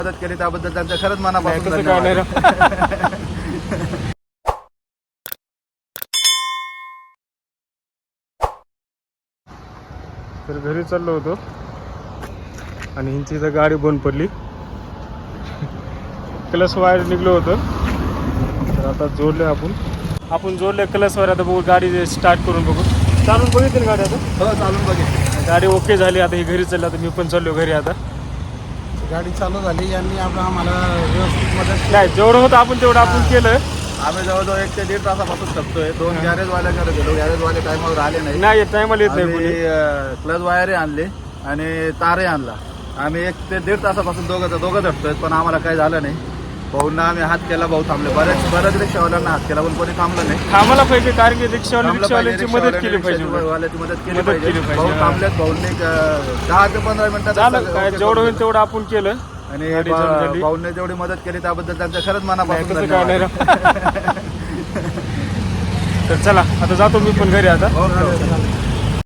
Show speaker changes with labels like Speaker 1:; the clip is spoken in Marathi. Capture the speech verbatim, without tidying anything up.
Speaker 1: मदत केली त्याबद्दल त्यांचं खरंच मनापासून
Speaker 2: तसं काय नाही
Speaker 1: धन्यवाद.
Speaker 2: राव. तर घरी चाललो होतो आणि ह्यांची इथं गाडी बंद पडली. क्लच वायर निघलो होतं तर आता जोडले आपण आपण जोडले क्लच वायर. आता बघू गाडी स्टार्ट करून बघू. चालून बघितली गाडी आता.
Speaker 1: हो चालून बघेल.
Speaker 2: गाडी ओके झाली. आता ही घरी चालली. आता मी पण चाललो घरी. आता
Speaker 3: गाडी चालू झाली यांनी आपण आम्हाला व्यवस्थित मदत
Speaker 2: नाही जेवढं होतं आपण तेवढं आपण केलं.
Speaker 1: आम्ही जवळजवळ एक ते दीड तासापासून थकतोय. दोन गॅरेज वाल्याकडे गेलो. गॅरेज वाले टायमावर आले नाही.
Speaker 2: नाही टायमाला येत नाही कोणी.
Speaker 1: क्लच वायरही आणले आणि तारही आणला. आम्ही एक ते दीड तासापासून दोघं दोघं झटतोय पण आम्हाला काही झालं नाही. भाऊंना आम्ही हात केला. भाऊ थांबले. बरेच बऱ्याच रिक्षावाल्यांना हात केला पण कोणी थांबलं नाही.
Speaker 2: थांबला पाहिजे कारण की रिक्षावाले
Speaker 1: थांबलं पाहिजे.
Speaker 2: रिक्षावाल्यांची मदत केली पाहिजे.
Speaker 1: रिक्षावाल्याची मदत केली
Speaker 2: मदत
Speaker 1: पाहिजे.
Speaker 2: केली पाहिजे.
Speaker 1: भाऊ
Speaker 2: हा.
Speaker 1: थांबलेत. भाऊंनी अं, दहा ते पंधरा मिनिटात
Speaker 2: झालं काय जेवढं होईल तेवढं आपण केलं.
Speaker 1: आणि
Speaker 2: गाडी चालू
Speaker 1: भा-
Speaker 2: झाली.
Speaker 1: भाऊंनी जेवढी मदत केली त्याबद्दल त्यांचं खरंच
Speaker 2: नाही,
Speaker 1: मनापासून
Speaker 2: तसं काय नाही
Speaker 1: धन्यवाद.
Speaker 2: राव. तर चला आता जातो मी पण घरी आता.
Speaker 1: हो, हो.